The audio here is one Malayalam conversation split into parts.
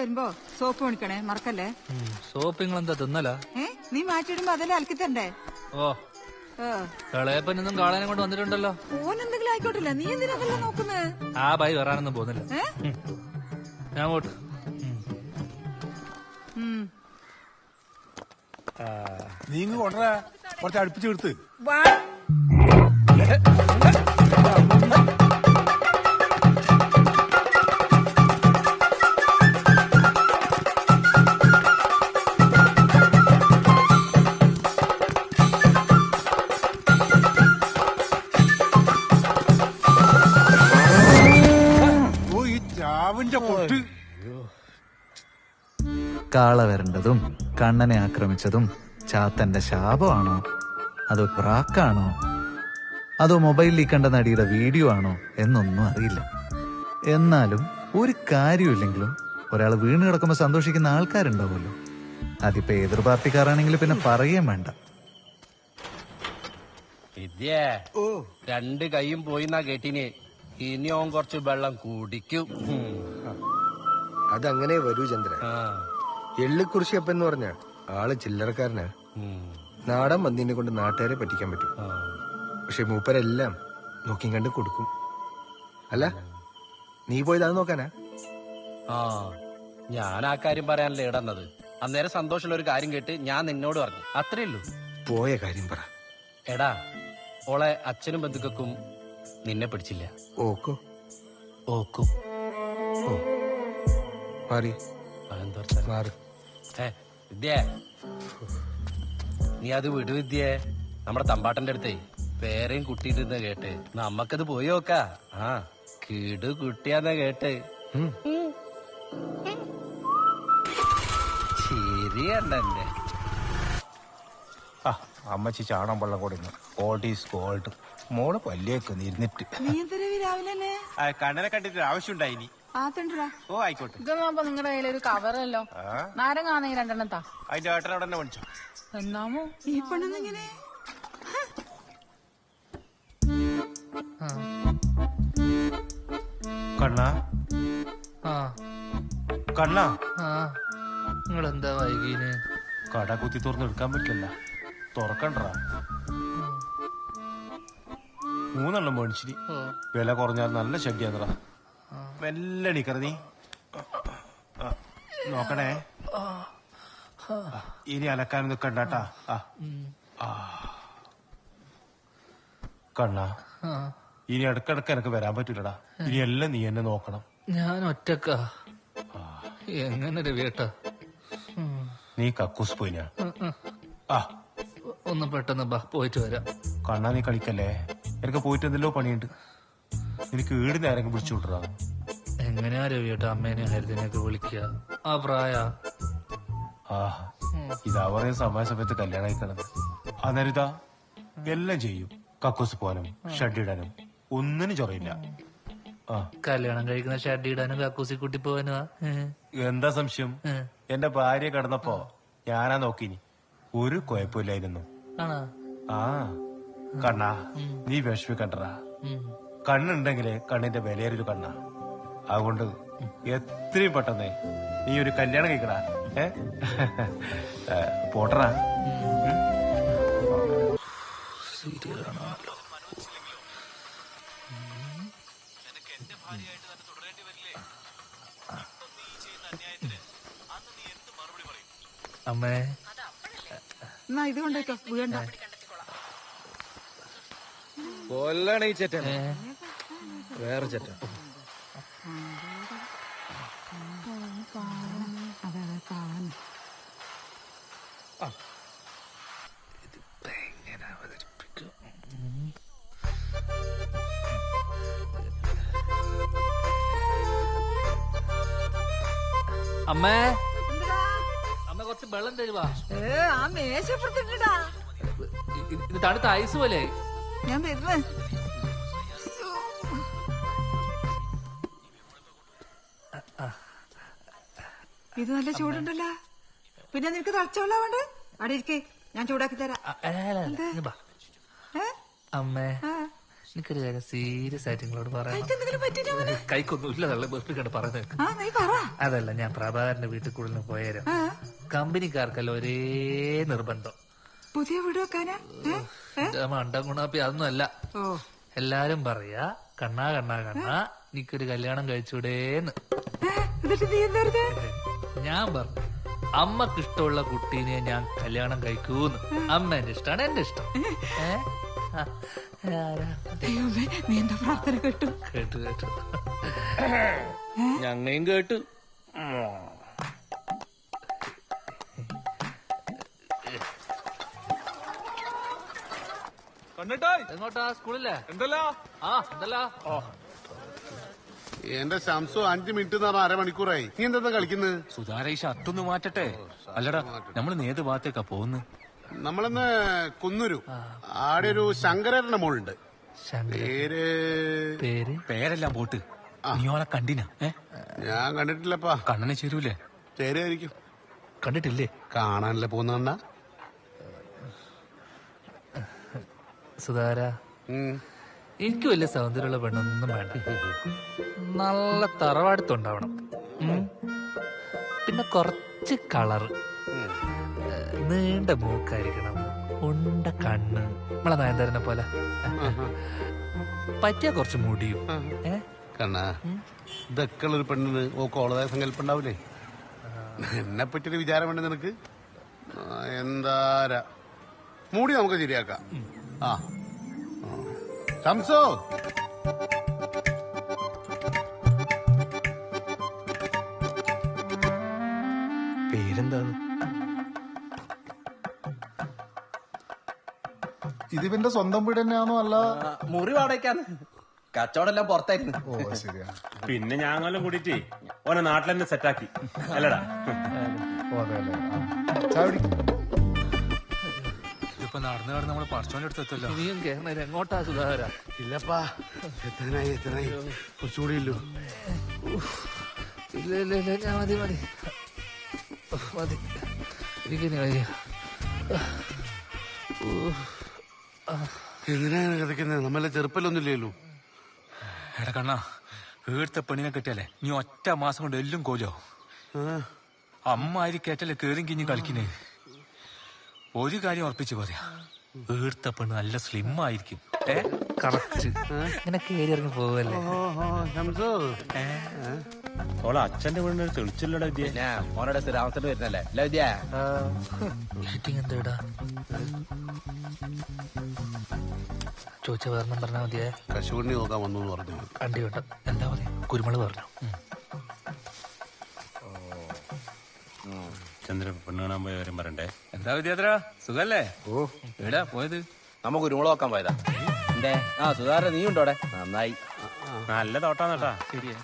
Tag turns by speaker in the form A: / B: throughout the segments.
A: വരുമ്പോ സോപ്പ് മേടിക്കണേ, മറക്കല്ലേ.
B: സോപ്പ് നിങ്ങളെന്താ തിന്നല?
A: നീ മാറ്റിയിടുമ്പോ അതെല്ലാം അലക്കി തരണ്ടേ?
B: ഓ കളയപ്പനൊന്നും കാണാനും കൊണ്ട് വന്നിട്ടുണ്ടല്ലോ.
A: ഓനെന്തെങ്കിലും ആയിക്കോട്ടില്ല, നീ എന്തിനാ അതെല്ലാം നോക്കുന്നത്?
B: ആ ബൈ വരാനൊന്നും പോകുന്നില്ല. ഞാൻ പോട്ട്.
C: നീ കൊണ്ടേ കുറച്ച് അടുപ്പിച്ച് എടുത്ത്.
D: കാള വരേണ്ടതും കണ്ണനെ ആക്രമിച്ചതും ചാത്തന്റെ ശാപമാണോ, അതോ പ്രാക്കാണോ, അതോ മൊബൈലിൽ കണ്ട നടിയുടെ വീഡിയോ ആണോ എന്നൊന്നും അറിയില്ല. എന്നാലും ഒരു കാര്യമില്ലെങ്കിലും ഒരാൾ വീണ് കിടക്കുമ്പോൾ സന്തോഷിക്കുന്ന ആൾക്കാരുണ്ടാവുമല്ലോ. അതിപ്പോ ഏതൊരു പാർട്ടിക്കാരാണെങ്കിലും പിന്നെ പറയുകയും വേണ്ട.
E: വിദ്യേ, രണ്ട് കൈയും പോയിന്നാ കേട്ടിന്. ഇനിയും കുറച്ച് വെള്ളം കുടിക്കും.
F: അതങ്ങനെ വരൂ ചന്ദ്ര. എള്ളിക്കുറിശിയപ്പൻ എന്ന് പറഞ്ഞ ആള് ചില്ലറക്കാരനാ. നാടൻ മന്തിനെ കൊണ്ട് നാട്ടുകാരെ പറ്റിക്കാൻ പറ്റും. പക്ഷെ മൂപ്പരെല്ലാം നോക്കി കണ്ട് കൊടുക്കും. അല്ല, നീ പോയത് അത് നോക്കാനാ?
E: ഞാൻ ആ കാര്യം പറയാനല്ലേ ഇടന്നത്. അന്നേരം സന്തോഷമുള്ള ഒരു കാര്യം കേട്ട് ഞാൻ നിന്നോട് പറഞ്ഞു, അത്രേ ഉള്ളൂ.
F: പോയ കാര്യം പറ.
E: എടാ, ഓളെ അച്ഛനും ബന്ധുക്കൾക്കും നിന്നെ പിടിച്ചില്ല.
F: ഓക്കോ?
E: ഓക്കും.
F: മാറി മാറി.
E: വിദ്യേ, നീ അത് വിടു വിദ്യേ. നമ്മുടെ തമ്പാട്ടന്റെ അടുത്തേ പേരെയും കുട്ടിയിട്ടിരുന്ന കേട്ട് നമ്മക്കത് പോയി നോക്കാ. കിടു കുട്ടിയാന്ന കേട്ട്. ശരിയല്ലേ?
C: അമ്മച്ചി ചാണം വെള്ളം കൊടുക്കുന്നു. Gold is gold. മോള് പല്ലിയേക്കൊന്ന് ഇരുന്നിട്ട്
G: കണ്ണനെ കണ്ടിട്ട് ആവശ്യമുണ്ടായിനി. ഓ ആയിക്കോട്ടെ.
H: ഇതൊന്നും നിങ്ങളുടെ കയ്യിലൊരു കവറല്ലോ. നാരങ്ങാണെങ്കിൽ രണ്ടെണ്ണം താ.
G: അതിന്റെ ഏട്ടൻ അവിടെ തന്നെ മേടിച്ചോ.
H: എന്നാമോ
A: ഈ പെണ്ണെന്നിങ്ങനെ
G: കണ്ണാ കണ്ണാ,
B: നിങ്ങളെന്താ വൈകീന്?
G: കട കുത്തി തുറന്ന് എടുക്കാൻ പറ്റില്ല. തുറക്കണ്ടാ. 3 എണ്ണം മേടിച്ചിരി. വില കുറഞ്ഞാൽ നല്ല ശല്യാന്നറ. മെല്ലെ എണീക്കറ നീ. നോക്കണേ, ഇനി അലക്കാൻ നിക്കണ്ടാട്ടാ. കണ്ണാ, ഇനി ഇടക്കിടക്ക് എനക്ക് വരാൻ പറ്റൂലടാ. ഇനി എല്ലാം നീ എന്നെ നോക്കണം.
B: ഞാൻ ഒറ്റക്കാ. എങ്ങനെ രവിയേട്ടാ?
G: നീ കക്കൂസ് പോയിനാ?
B: ഒന്ന് പെട്ടെന്ന് ബാ, പോയിട്ട് വരാം.
G: കണ്ണാ, നീ കളിക്കല്ലേ. എനിക്ക് പോയിട്ട് എന്തെല്ലോ പണിയുണ്ട്. എനിക്ക് വീട് നേരം പിടിച്ചു വിട്ടറാ.
B: എങ്ങനെയാ രവിയേട്ടാ അമ്മേനെ ഹരിതനെയൊക്കെ വിളിക്കുക? ആ പ്രായ
G: ഇതാ പറയുന്ന സമയത്ത് കല്യാണം കഴിക്കണത്. അന്നേരം ഇതാ എല്ലാം ചെയ്യും. കക്കൂസ് പോകാനും ഷഡ് ഒന്നിനും ചൊറയില്ല.
B: കല്യാണം കഴിക്കുന്ന ഷഡ് ഇടാനും കക്കൂസി കൂട്ടി പോവാനുവാ.
G: എന്താ സംശയം? എന്റെ ഭാര്യ കിടന്നപ്പോ ഞാനാ നോക്കിനി. ഒരു കുഴപ്പമില്ലായിരുന്നു. കണ്ണാ, നീ വിഷമിക്കണ്ടടാ. കണ്ണുണ്ടെങ്കിലേ കണ്ണിന്റെ വിലയേറിയൊരു കണ്ണാ. അതുകൊണ്ട് എത്രയും പെട്ടെന്ന് നീ ഒരു കല്യാണം കഴിക്കടാ. പോട്ടറാ.
B: അമ്മേ,
A: എന്നാ ഇത് കൊണ്ടേക്കോ, വീണ്ട.
F: കൊല്ലാണ് ഈ ചേട്ടൻ. വേറെ ചേട്ടൻ.
B: എങ്ങനെ അവതരിപ്പിക്കും? അമ്മേ, അമ്മ കുറച്ച് വെള്ളം തരുവാ.
A: ആ മേശപ്പുറത്തിട്ടാ.
B: ഇത് തണുത്ത ഐസ് പോലെ.
A: ഞാൻ വരുന്നേ. ഇത് നല്ല ചൂടുണ്ടല്ലോ. പിന്നെ നിനക്ക് തളച്ചോളാ വേണ്ട. അവിടെ ഇരിക്കേ, ഞാൻ ചൂടാക്കി തരാം.
B: അമ്മേ, എനിക്കൊരു കാര്യം സീരിയസ് ആയിട്ട് നിങ്ങളോട് പറയാം.
A: എന്തെങ്കിലും പറ്റിയോ അവന്?
B: കൈക്കൊന്നുമില്ല തള്ള ബസ്സിൽ പറയുന്നത്.
A: ആ നീ പറ.
B: അതല്ല, ഞാൻ പ്രഭാകരന്റെ വീട്ടിൽ കൂടുതൽ പോയാലും കമ്പനിക്കാർക്കല്ല ഒരേ നിർബന്ധം.
A: പുതിയ വീട് വെക്കാനാ?
B: മണ്ടം ഗുണാപ്പി അതൊന്നും അല്ല. എല്ലാരും പറയാ കണ്ണാ കണ്ണാ കണ്ണാ എനിക്കൊരു കല്യാണം കഴിച്ചൂടേന്ന്.
A: എന്നിട്ട് നീ എന്താ പറഞ്ഞേ?
B: ഞാൻ പറഞ്ഞു അമ്മക്ക് ഇഷ്ടമുള്ള കുട്ടീനെ ഞാൻ കല്യാണം കഴിക്കൂന്ന്. അമ്മ എന്റെ ഇഷ്ടമാണ്, എന്റെ ഇഷ്ടം.
A: ദൈവമേ, നീ എന്റെ പ്രാർത്ഥന കേട്ടു.
B: കേട്ടു കേട്ടു, ഞങ്ങയും കേട്ടു. എങ്ങോട്ടാ? സ്കൂളില്ലേ? എന്തല്ലോ
I: എന്റെ ശംസു 5 മിനിറ്റ് എന്ന് പറഞ്ഞാൽ അരമണിക്കൂറായി. നീ എന്താ കളിക്കുന്നത്?
G: സുധാര ഈ ഷർട്ടൊന്ന് മാറ്റട്ടെ. അല്ലടാ, നമ്മൾ ഏത് ഭാഗത്തേക്കാ പോകുന്നത്?
I: നമ്മളിന്ന് കുന്നൂരു ആടെ ഒരു ശങ്കരന്റെ മോളുണ്ട്. പേര്
G: പേരെല്ലാം പോട്ട്. നീ ഓളെ കണ്ടിനാ?
I: ഞാൻ കണ്ടിട്ടില്ലപ്പാ.
G: കണ്ണനെ ചേരൂലേ?
I: ചേരുമായിരിക്കും.
B: കണ്ടിട്ടില്ലേ?
I: കാണാനല്ലേ പോകുന്ന
B: സുധാര, എനിക്ക് വലിയ സൗന്ദര്യമുള്ള പെണ്ണൊന്നും വേണ്ട. നല്ല തറവാടുത്തുണ്ടാവണം. പിന്നെ കുറച്ച് കളറ്, നീണ്ട മൂക്കായിരിക്കണം, ഉണ്ട കണ്ണ്, നമ്മളെ നയൻതാരനെ പോലെ. പറ്റിയ കുറച്ച് മുടിയും.
I: കണ്ണാ, ഇതൊക്കെ ഉള്ളൊരു പെണ്ണിന് ഓളതായ സങ്കല്പം ഉണ്ടാവില്ലേ? എന്നെ പറ്റിയൊരു വിചാരം വേണ്ട നിനക്ക്? എന്താ മൂടി നമുക്ക് ശരിയാക്കാം. ആ ശംസോ,
F: പേരെന്താണ്?
J: ഇതിവന്റെ സ്വന്തം വീട് തന്നെയാണോ? അല്ല
E: മുറി വാടകയ്ക്കാന്ന്. കച്ചവടം പുറത്തായിരുന്നു.
J: ഓ ശരിയാ.
G: പിന്നെ ഞാങ്ങെല്ലാം കൂടിയിട്ട് ഓനെ നാട്ടിൽ തന്നെ സെറ്റാക്കി അല്ലടാ.
J: ഓ അതെ അല്ലേ. ചായ കുടിക്കും.
B: ഇപ്പൊ നടന്നു കടന്ന് നമ്മള് പറച്ചോന്റെ അടുത്തെത്തല്ലോ. ഇനിയും കേരള എങ്ങോട്ടാ സുധാകര?
I: ഇല്ലപ്പാ, എത്രനായി കുറച്ചുകൂടി ഇല്ലു.
B: ഇല്ല ഇല്ല ഇല്ല, ഞാൻ മതി മതി മതി. എനിക്കിനി കഴിയാ.
I: എന്തിനാണ് കിടക്കുന്നത്? നമ്മളെ ചെറുപ്പല്ലൊന്നുമില്ലല്ലോ.
G: എടാ കണ്ണാ, വീഴ്ത്ത പെണ്ണിനെ കിട്ടിയാലേ നീ ഒറ്റ മാസം കൊണ്ട് എല്ലാം കോലോ. അമ്മ ആരി കേട്ടല്ലേ കേറും കിഞ്ഞ് കളിക്കുന്നേ. ഒരു കാര്യം ഉറപ്പിച്ച് പറയാ, വീഴ്ത്ത പെണ്ണ് നല്ല സ്ലിം ആയിരിക്കും.
B: കറക്റ്റ്. ഇങ്ങനെ കേറി ഇറങ്ങി പോവല്ലേ.
G: ഓളെ അച്ഛന്റെ വീടിനൊരു തെളിച്ചില്ലടാ വിദ്യ.
E: മോനോടെ സ്ഥിരാമത്തിന് വരുന്നല്ലേ അല്ല വിദ്യ?
B: മീറ്റിംഗ് എന്താ ചോദിച്ച വേറെ പറഞ്ഞാ മതിയേ.
I: കശുവണ്ടി നോക്കാൻ വന്നു പറഞ്ഞു.
B: കണ്ടി വേണ്ട, എന്താ പറയാ, കുരുമുളക് പറഞ്ഞു.
G: ചന്ദ്രൻ പെണ്ണ് കാണാൻ പോയ കാര്യം പറയണ്ടേ? എന്താ വിദ്യാത്ര, സുഖല്ലേ?
F: ഓ
G: എവിടാ പോയത്?
E: നമുക്ക് കുരുമുളക് നോക്കാൻ പോയതാ. എന്തേ? ആ സുധാര നീ ഉണ്ടോടെ? നന്നായി.
G: നല്ല തോട്ടാന്നട്ടാ. ശരിയാ.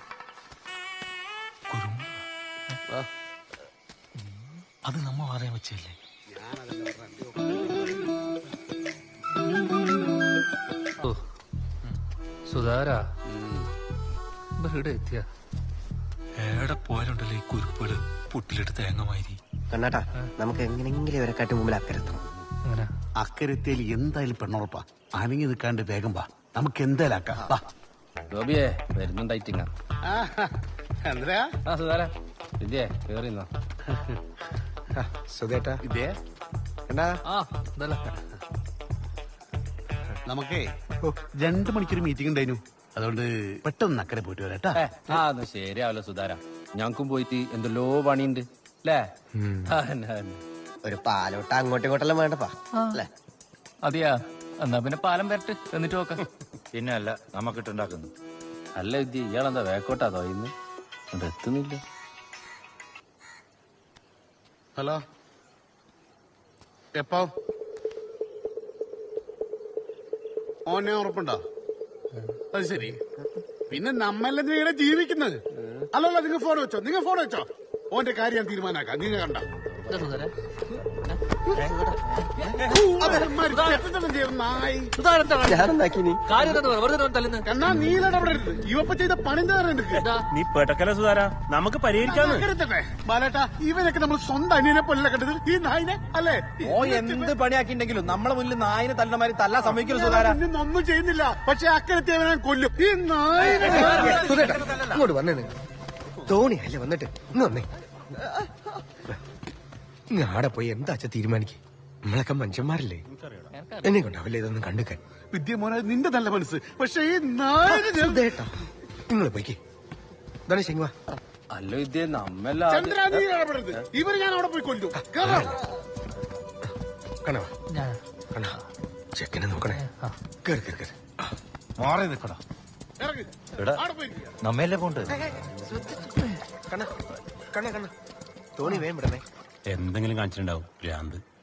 B: അത് നമ്മ പറയാൻ വെച്ചല്ലേ. സുധാര ഇവിടെ എത്തിയ
G: എവിടെ പോയാലുണ്ടല്ലോ ഈ കുരുപ്പുകള് പുട്ടിലിട്ട് തേങ്ങമാതിരി.
K: കണ്ണാട്ടാ, നമുക്ക് എങ്ങനെങ്കിലും ഇവരെ കാട്ടി മുമ്പിൽ അക്കരെത്തണം.
B: അങ്ങനെ
I: അക്കരത്തേൽ എന്തായാലും പെണ്ണുറപ്പാ. അനങ്ങി നിൽക്കാണ്ട് വേഗം വാ, നമുക്ക് എന്തായാലും ആക്കാം.
E: ഗോപിയെ വരുന്നുണ്ടായിട്ടിങ്ങ.
I: എന്താ
E: ആ സുധാര വിദ്യേ കേറിന്നോ.
F: സുധേട്ടാ,
I: ഇതേ
F: എന്നാ
B: ആ എന്തല്ല.
I: നമുക്കേ 2 മണിക്കൊരു മീറ്റിംഗ് ഉണ്ടായിരുന്നു. അതുകൊണ്ട് പെട്ടെന്ന് അക്കരെ പോയിട്ട് വരാട്ടാ.
E: ആ ഒന്ന് ശരിയാവല്ലോ സുധാര, ഞങ്ങൾക്കും പോയിട്ട് എന്തെല്ലോ പണിയുണ്ട് അല്ലേ?
K: ഒരു പാലോട്ട അങ്ങോട്ടും ഇങ്ങോട്ടെല്ലാം വേണ്ടപ്പാ അല്ലേ?
E: അതെയാ, എന്നാ പിന്നെ പാലം വരട്ട് എന്നിട്ട് നോക്കാം.
C: പിന്നെ അല്ല, നമുക്കിട്ടുണ്ടാക്കുന്നു.
E: അല്ല വിദ്യ, ഇയാളെന്താ വേക്കോട്ടാ തോന്നുന്നു, അത് എത്തുന്നില്ല.
I: ഹലോ, എപ്പോ ഓനെ ഉറപ്പുണ്ടോ? അത് ശരി. പിന്നെ നമ്മളെന്തിനാ ഇവിടെ ജീവിക്കുന്നത്? അല്ലല്ല, നിങ്ങൾ ഫോൺ വെച്ചോ, ഓന്റെ കാര്യം ഞാൻ തീരുമാനാക്കാം. നിങ്ങൾ കണ്ട
B: സുധാര
I: കണ്ണാ നീലടപെടരുത് ഇവപ്പ ചെയ്ത പണി
L: നീ പെട്ടക്കല സുധാര നമുക്ക് പരിഹരിക്കാന്ന്
I: ബാലേട്ടാ ഇവനൊക്കെ നമ്മൾ സ്വന്തം അനിയനെ പോലെ കണ്ടത് ഈ നായിനെ അല്ലേ
C: ഓ എന്ത് പണിയാക്കിണ്ടെങ്കിലും നമ്മളെ മുന്നിൽ നായിനെ തല്ലമാരി തല്ലാൻ സമ്മതിക്കല്ലോ സുധാര
I: ഒന്നും ചെയ്യുന്നില്ല പക്ഷെ അക്കരത്തെ അവനെ കൊല്ലും ഈ നായിനെ
F: ഇങ്ങോട്ട് വന്നേ തോണി അല്ലേ വന്നിട്ട് ഇന്ന് വന്നേ ഇങ്ങ് ആടെ പോയി എന്താ അച്ഛ തീരുമാനിക്കും നമ്മളൊക്കെ മനുഷ്യന്മാരല്ലേ എന്നെ കൊണ്ടാവില്ലേ ഇതൊന്നും കണ്ടുക്കാൻ
I: വിദ്യമോനെ നിന്റെ നല്ല മനസ്സ് പക്ഷെ ഈ നായിനെ
F: നിങ്ങൾ പോയിക്കേ ഇതാണ് ശെങ്ങുവാ
E: അല്ല വിദ്യ നമ്മെല്ലാം
I: ചന്ദ്ര നീ ഇടപെടരുത് ഇവര് ഞാൻ അവിടെ പോയി കൊല്ലും
F: കണവാ കണ ചെക്കനെ നോക്കണേ കേറി കേറി കേറി
C: മാറി നിൽക്കടാ നമ്മയല്ലേ പോണ്ട്
F: കണ്ണ കണ്ണ കണ്ണ തോണി വേം വിടണേ
L: എന്തെങ്കിലും കാണിച്ചിട്ടുണ്ടാവും ഭ്രാന്ത്